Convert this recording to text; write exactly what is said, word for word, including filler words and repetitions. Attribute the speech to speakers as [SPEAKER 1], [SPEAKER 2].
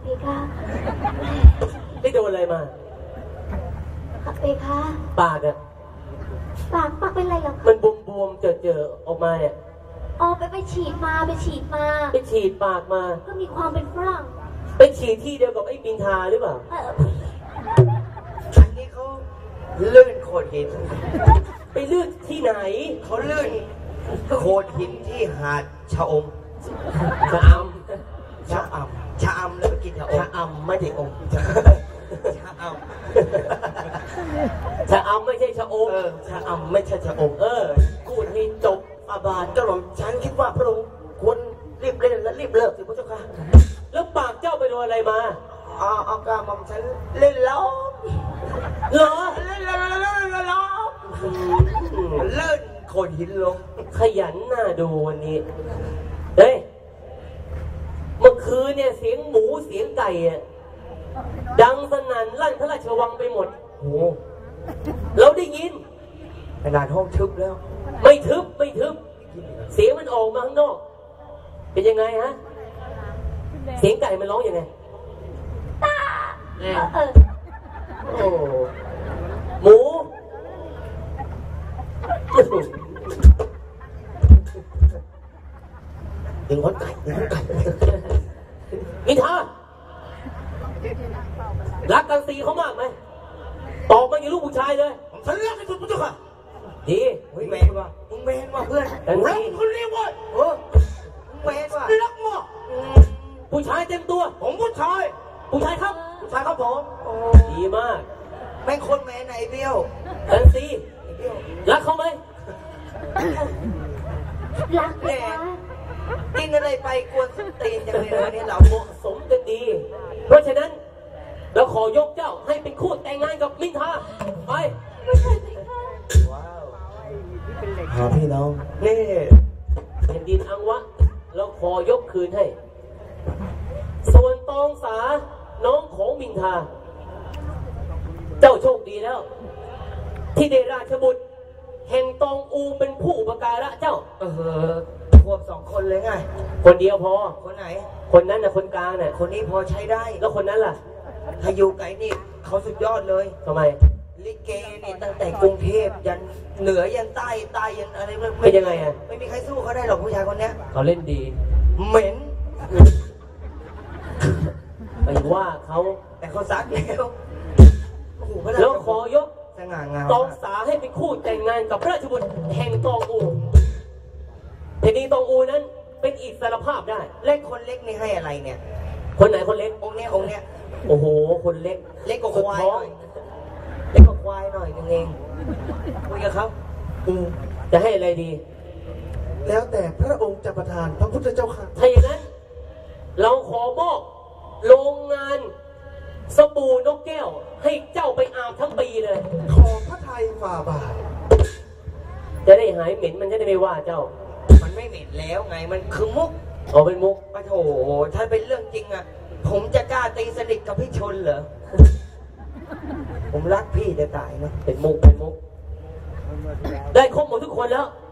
[SPEAKER 1] เพคะ
[SPEAKER 2] ไม่โดนอะไรมา
[SPEAKER 1] ค่ะเพคะ
[SPEAKER 2] ปากอะ
[SPEAKER 1] ปากปากเป็นไรหรอ
[SPEAKER 2] มันบวมบวมเจอเจอออกมาเนี่ย
[SPEAKER 1] อ๋อไปไปฉีดมาไปฉีดมา
[SPEAKER 2] ไปฉีดปากมา
[SPEAKER 1] ก็มีความเป็นฝรั่ง
[SPEAKER 2] ไปฉีดที่เดียวกับไอ้บินทาหรือเปล่า
[SPEAKER 3] อันนี้เขาลื่นโขดหิน
[SPEAKER 2] ไปลื่นที่ไหน
[SPEAKER 3] เขาลื่นโขดหินที่หาดชะอม
[SPEAKER 2] ชะอม
[SPEAKER 3] ชะอมชะอมแล้วไปกินชะอม
[SPEAKER 2] ชะอมไม่ใช่อม
[SPEAKER 3] ชะอม
[SPEAKER 2] ชะอมไม่ใช่ชะอม
[SPEAKER 3] เออชะอมไม่ใช่ชะอม
[SPEAKER 2] เออพูดให้จบอาบาท
[SPEAKER 3] เจ้าหลวงฉันคิดว่าพระองค์ควรรีบเล่นและรีบเลิกสิพระเจ้าค่ะ
[SPEAKER 2] แล้วปากเจ้าไปโดนอะไรมา
[SPEAKER 3] อ๋อเอากาหม่อมฉันเล่นล้อ
[SPEAKER 2] เหรอ
[SPEAKER 3] เล่นล้อเล่นล้อเลื่อนโขดหินลง
[SPEAKER 2] ขยันน่าดูวันนี้เฮ้ยเมื่อคืนเนี่ยเสียงหมูเสียงไก่อะดังสนั่นลั่นพระราชวังไปหมด
[SPEAKER 3] โอ้
[SPEAKER 2] เราได้ยิน
[SPEAKER 3] ขนาดห้องทึบแล้ว
[SPEAKER 2] ไม่ทึบไม่ทึบเสียงมันออกมาข้างนอกเป็นยังไงฮะเสียงไก่มันร้องยังไง
[SPEAKER 1] ตาเออ
[SPEAKER 2] โอ้หมู
[SPEAKER 3] ดึงหัวไก่ดึงหัวไก่
[SPEAKER 2] นิทารักกันสีเขามากไหมตอบมาอย่างลูกผู้ชายเลย
[SPEAKER 3] ฉันรักที่สุดพุทธค่ะ
[SPEAKER 2] ดี
[SPEAKER 3] เฮ้ยแมนว่ะมึงแมนว่ะเพื่อนรักคนเรียกว่าเออมึงแมนว่ะรักมาก
[SPEAKER 2] ผู้ชายเต็มตัว
[SPEAKER 3] ผมผู้ชาย
[SPEAKER 2] ผู้ชายครับ
[SPEAKER 3] ผู้ชายครับผม
[SPEAKER 2] ดีมาก
[SPEAKER 3] แม่งคนแมนไหนเบี้ยว
[SPEAKER 2] กันสีรักเขาไหม
[SPEAKER 1] รักแน่
[SPEAKER 3] กินอะไรไปกวนส้นตีนจังเลยวันนี้เรา
[SPEAKER 2] เหมาะสมกันดีเพราะฉะนั้นเราขอยกเจ้าให้เป็นคู่แต่งงานกับมินทาไป
[SPEAKER 3] ว้าวหาพี่น้องนี่
[SPEAKER 2] แผ่นดินอังวะเราขอยกคืนให้ส่วนตองสาน้องของมินทาเจ้าโชคดีแล้วที่ได้ราชบุตรแห่งตองอูเป็นผู้อุปการะเจ้า
[SPEAKER 3] เออควบสองคนเลยไง
[SPEAKER 2] คนเดียวพอ
[SPEAKER 3] คนไหน
[SPEAKER 2] คนนั้นน่ะคนกลางน่ะ
[SPEAKER 3] คนนี้พอใช้ได้
[SPEAKER 2] แล้วคนนั้นล่ะ
[SPEAKER 3] ถ้าอยู่ไกลนี่เขาสุดยอดเลย
[SPEAKER 2] ทำไม
[SPEAKER 3] ลิเกนี่ตั้งแต่กรุงเทพยันเหนือยันใต้ใต้ยันอะไรไม่
[SPEAKER 2] เป็นยังไงอ่ะ
[SPEAKER 3] ไม่มีใครสู้เขาได้หรอกผู้ชายคนนี้
[SPEAKER 2] เขาเล่นดี
[SPEAKER 3] เหม็น
[SPEAKER 2] ไปว่าเขา
[SPEAKER 3] แต่เขาซักแล้ว
[SPEAKER 2] แล้วขอยก
[SPEAKER 3] สง่างาม
[SPEAKER 2] ตองสาให้เป็นคู่แต่งงานกับราชบุตรแห่งตองอูแผ่นดินตองอูนั้นเป็นอิสรภาพได้
[SPEAKER 3] เล็กคนเล็กนี่ให้อะไรเนี่ย
[SPEAKER 2] คนไหนคนเล็ก
[SPEAKER 3] องค์เนี้ยองค์เนี้ย
[SPEAKER 2] โอ้โหคนเล็ก
[SPEAKER 3] เล็กกว่าควายหน่อยเล็กกว่าควายหน่อยนึงเองคุยกับเขา
[SPEAKER 2] อืมจะให้อะไรดี
[SPEAKER 3] แล้วแต่พระองค์จะประทานพระพุทธเจ้าค่ะ
[SPEAKER 2] ถ้าอย่างนั้นเราขอมอบโรงงานสบู่นกแก้วให้เจ้าไปอาบทั้งปีเลย
[SPEAKER 3] ขอพระทัยฝ่าบาท
[SPEAKER 2] จะได้หายเหม็นมันจะได้ไม่ว่าเจ้า
[SPEAKER 3] มันไม่เหม็นแล้วไงมันคือมุก
[SPEAKER 2] อ๋อเป็นมุก
[SPEAKER 3] ปะโถถ้าเป็นเรื่องจริงอ่ะผมจะกล้าตีสนิทกับพี่ชนเหรอผมรักพี่จะตายนะ
[SPEAKER 2] เป็นมุกเป็นมุกได้ครบหมดทุกคนแล้ว